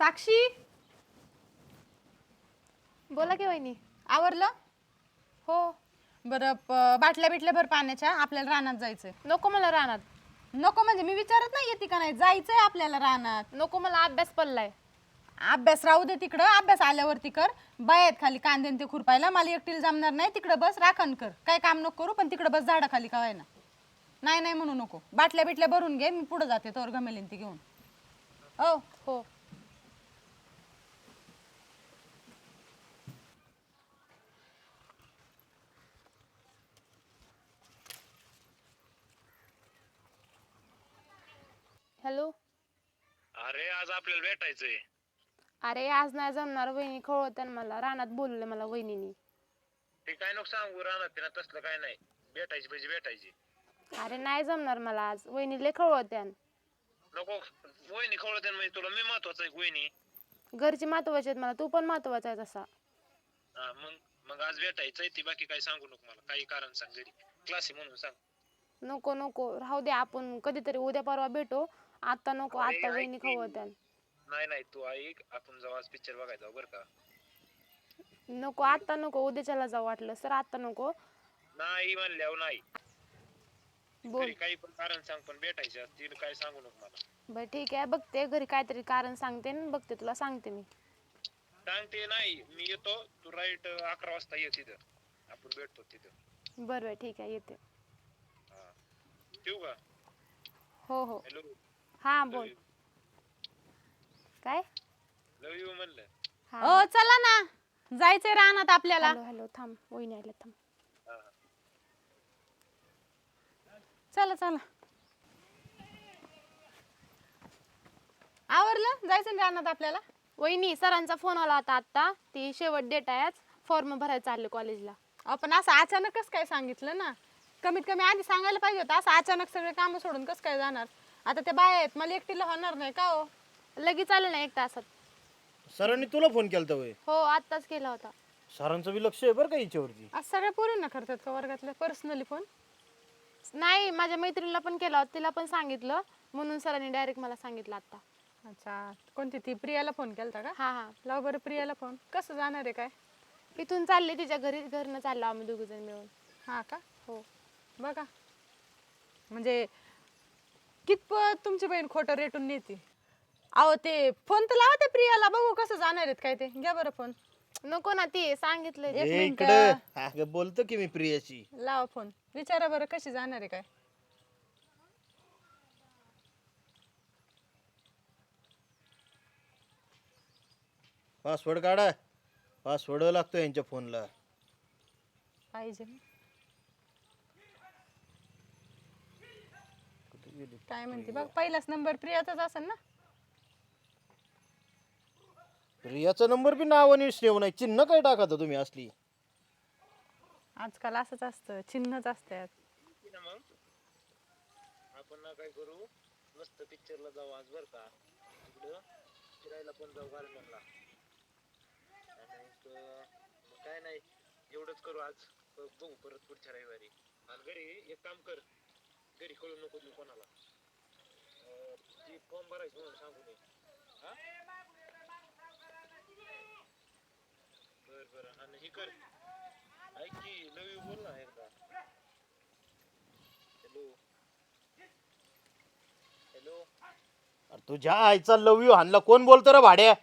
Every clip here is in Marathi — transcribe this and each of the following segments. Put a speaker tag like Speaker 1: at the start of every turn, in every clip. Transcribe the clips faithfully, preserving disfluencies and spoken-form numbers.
Speaker 1: साक्षी,
Speaker 2: बोला की वहिनी.
Speaker 1: आवरलं?
Speaker 2: हो.
Speaker 1: बरं, प- बाटल्या बिटल्या भर पाण्याच्या, आपल्याला रानात जायचंय.
Speaker 2: नको मला रानात.
Speaker 1: नको म्हणजे मी विचारत नाही येते का नाही, जायचंय आपल्याला रानात.
Speaker 2: नको मला अभ्यास पडलाय.
Speaker 1: अभ्यास राहू दे तिकडं, अभ्यास आल्यावरती कर. बायत खाली कांदे न ते खुरपायला मला एकटीला जमणार नाही. तिकडं बस, राखण कर, काय काम नको करू, पण तिकडं बस झाडाखाली का ना. नाही नाही म्हणू नको. बाटल्या बिटल्या भरून घे, मी पुढे जाते तोवर गमेलीन ती घेऊन. हो
Speaker 2: हो. हॅलो.
Speaker 3: अरे आज आपल्याला भेटायचंय.
Speaker 2: अरे आज नाही जमणार, वहिनी खवळत्यान मला. रानात बोलले मला वहिनीनी.
Speaker 3: ते काय नको सांगू, राहणार ना तसलं काय नाही. भेटायची पाहिजे भेटायची.
Speaker 2: अरे नाही जमणार मला आज, वहिनी लय खवळत्यान.
Speaker 3: नको वहिनी खवळते म्हणजे तुला मी महत्वाचं आहे वहिनी.
Speaker 2: घरची महत्वाची आहेत मला, तू पण महत्वाचा आहे तसा.
Speaker 3: हा मग मग आज भेटायचंय ती, बाकी काही सांगू नको मला. काही कारण सांग घरी, क्लास आहे म्हणून सांग.
Speaker 2: नको नको राहू दे, आपण कधीतरी उद्या परवा भेटू. आता नको,
Speaker 3: अरे,
Speaker 2: आता
Speaker 3: ऐक
Speaker 2: वहिनी
Speaker 3: की.
Speaker 2: खवळत्यान.
Speaker 3: नाही नाही तू ऐक, आपण जेव्हा आज पिक्चर बघायला जाऊ बरं का.
Speaker 2: नको आता नको, उद्याच्याला जाऊ वाटलं सर, आता नको.
Speaker 3: नाही म्हणल्यावर नाही.
Speaker 2: बोल.
Speaker 3: घरी काही पण कारण सांग, पण भेटायचं आज. तिला काय सांगू नको मला.
Speaker 2: बर ठीक आहे, बघते घरी काहीतरी कारण सांगते न बघते, तुला सांगते मी.
Speaker 3: सांगते नाही, मी येतो. तू राईट अकरा वाजता ये तिथं, आपण भेटतो तिथं.
Speaker 2: बरं बरं ठीक आहे, येते.
Speaker 3: हा ठेवू का?
Speaker 2: हो हो.
Speaker 3: हॅलो.
Speaker 2: हा बोल. काय?
Speaker 3: लव यू म्हणलं.
Speaker 2: हा.
Speaker 1: ओ चला ना, जायचंय रानात आपल्याला.
Speaker 2: हॅलो हॅलो, थांब, वहिनी आल्या, थांब.
Speaker 3: हा
Speaker 1: चला चला, आवरलं? जायचं ना रानात आपल्याला.
Speaker 2: वहिनी सरांचा फोन आला होता आता, ती शेवट डेट आहे आज, फॉर्म भरायला चालले कॉलेजला.
Speaker 1: आपण असं अचानकच काय सांगितलं ना, कमीत कमी आधी सांगायला पाहिजे होतं. असं अचानक सगळे कामं सोडून कसं काय जाणार? आता ते बाय आहेत, मला एकटीला होणार नाही का हो.
Speaker 2: लगेच आले ना एक तासात.
Speaker 4: सरांनी तुला फोन केलता होय?
Speaker 2: हो आत्ताच केला होता.
Speaker 4: सरांचं बी लक्ष आहे बरं का हिच्यावरती.
Speaker 1: आज सगळ्या पोरींना करतात का वर्गातल्या पर्सनली फोन?
Speaker 2: नाही, माझ्या मैत्रिणीला पण केला होता, तिला पण सांगितलं, म्हणून सरांनी डायरेक्ट मला सांगितलं आता.
Speaker 1: अच्छा, कोणती ती प्रियाला फोन केलता का?
Speaker 2: हा हा.
Speaker 1: लाव बरं प्रियाला फोन. कसं जाणार आहे काय?
Speaker 2: इथून चालले तिच्या घरी, घरनं चाललो आम्ही दोघ जण मिळून.
Speaker 1: हा का?
Speaker 2: हो.
Speaker 1: बघा म्हणजे कितपत तुमची बहीण खोटं रेटून नेते. अहो ते फोन तर लावा त्या प्रियाला, बघू कसं जाणार आहेत काय ते. घ्या बरं फोन.
Speaker 2: नको ना, ती सांगितलं.
Speaker 1: एक
Speaker 4: ए,
Speaker 1: मिनिट.
Speaker 4: इकडं अगं बोलतो की मी प्रियाशी.
Speaker 1: लावा फोन, विचारा बरं कशी जाणार आहे काय.
Speaker 4: पासवर्ड काढा, पासवर्ड लागतो यांच्या फोनला.
Speaker 1: पाहिजे काय म्हणते बघ, पहिलाच नंबर प्रियाचाच असेल ना.
Speaker 4: प्रियाचा नंबर बी नावाने सेव नाही, चिन्ह काय टाकता तुम्ही असली.
Speaker 1: आजकाल असंच असतं, चिन्हच असतात.
Speaker 3: ना मग आपण ना काय करू, मस्त पिक्चरला जाऊ आज बरं का. तिकडं फिरायला पण जाऊ गार्डनला. आणि मग काय नाही, एवढंच करू आज. ब- बघू परत पुढच्या रविवारी. आणि घरी एक काम कर, घरी कळू नको तू कोणाला. अं, ती फॉर्म भरायची म्हणून सांगू नये. हा बर बर. आणि हे कर, ऐक की, लव यू बोल ना एकदा. Hello hello.
Speaker 4: अरे तुझ्या आईचा लव यू हाणला कोण बोलतो रे भाड्या?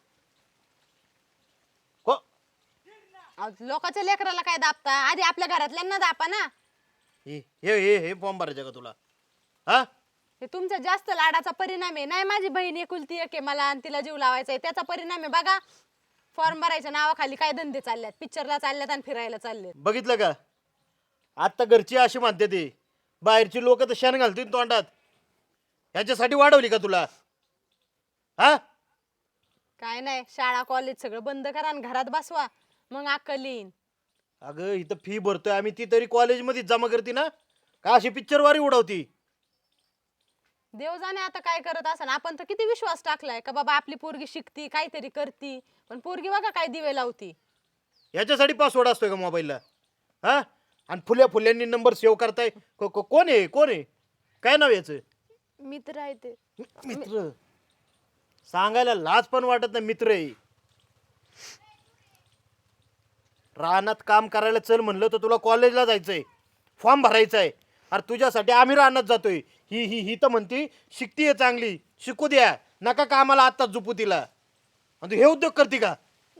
Speaker 4: को
Speaker 1: अहो, लोकांच्या लेकराला काय दाबता, आधी आपल्या घरातल्यांना दाबा ना.
Speaker 4: हे हे हे हे फॉर्म भरायचं का तुला? हा
Speaker 1: हे तुमच्या जास्त लाडाचा परिणाम आहे. नाही, माझी बहीण एकुलती एक आहे, मला आणि तिला जीव लावायचा आहे, त्याचा परिणाम आहे. बघा फॉर्म भरायच्या नावाखाली काय धंदे चालल्यात, पिक्चरला चालल्यात आणि फिरायला चाललेत.
Speaker 4: बघितलं का? आता घरची अशी म्हणते ती, बाहेरची लोक तर शेण घालतील तोंडात. ह्याच्यासाठी वाढवली का तुला? हा
Speaker 1: काय नाही, शाळा कॉलेज सगळं बंद करा आणि घरात बसवा, मग अक्कल येईन.
Speaker 4: अगं इथं फी भरतोय आम्ही, ती तरी कॉलेजमध्ये जमा करते ना, का अशी पिक्चरवारी उडवती?
Speaker 1: देव जाणे आता काय करत असं. आपण तर किती विश्वास टाकलाय का बाबा आपली पोरगी शिकती, काहीतरी करती, पण पोरगी बघा काय दिवे लावती.
Speaker 4: याच्यासाठी पासवर्ड असतोय का मोबाईलला? हा आणि फुल्या फुल्यांनी नंबर सेव्ह करताय. को- को- कोण आहे कोण आहे काय नाव याचं?
Speaker 2: मित्र आहे ते.
Speaker 4: मित्र. सांगायला लाज पण वाटत नाही मित्र आहे. रानात काम करायला चल म्हणलं तर तुला कॉलेजला जायचंय, फॉर्म भरायचा आहे. अरे तुझ्यासाठी आम्ही रानात जातोय. ही ही ही तर म्हणती शिकतीये चांगली, शिकू द्या, नका कामाला आत्ताच झोपू तिला. आणि तू हे उद्योग करते का?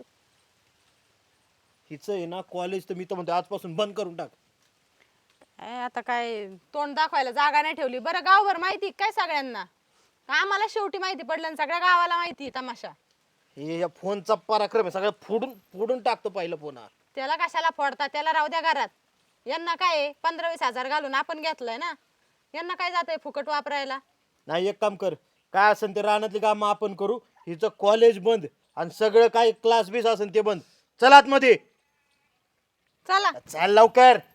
Speaker 4: हिचं आहे ना कॉलेज तर मी तर म्हणतो आजपासून बंद करून टाक.
Speaker 1: काय आता काय तोंड दाखवायला जागा नाही ठेवली. बरं गावभर माहिती काय सगळ्यांना? आम्हाला शेवटी माहिती पडलं आणि सगळ्या गावाला माहिती आहे तमाशा.
Speaker 4: हे या फोनचा पराक्रम आहे, सगळं फोडून फोडून टाकतो पहिलं फोन हा.
Speaker 1: त्याला कशाला फोडता? त्याला राहू द्या घरात. यांना काय आहे, पंधरा वीस हजार घालून आपण घेतलंय ना, यांना काय जातंय फुकट वापरायला.
Speaker 4: नाही एक काम कर, काय असेल ते रानातली कामं आपण करू. हिचं कॉलेज बंद आणि सगळं काय क्लास बीस असेल ते बंद. चल आतमध्ये,
Speaker 1: चला
Speaker 4: चल लवकर.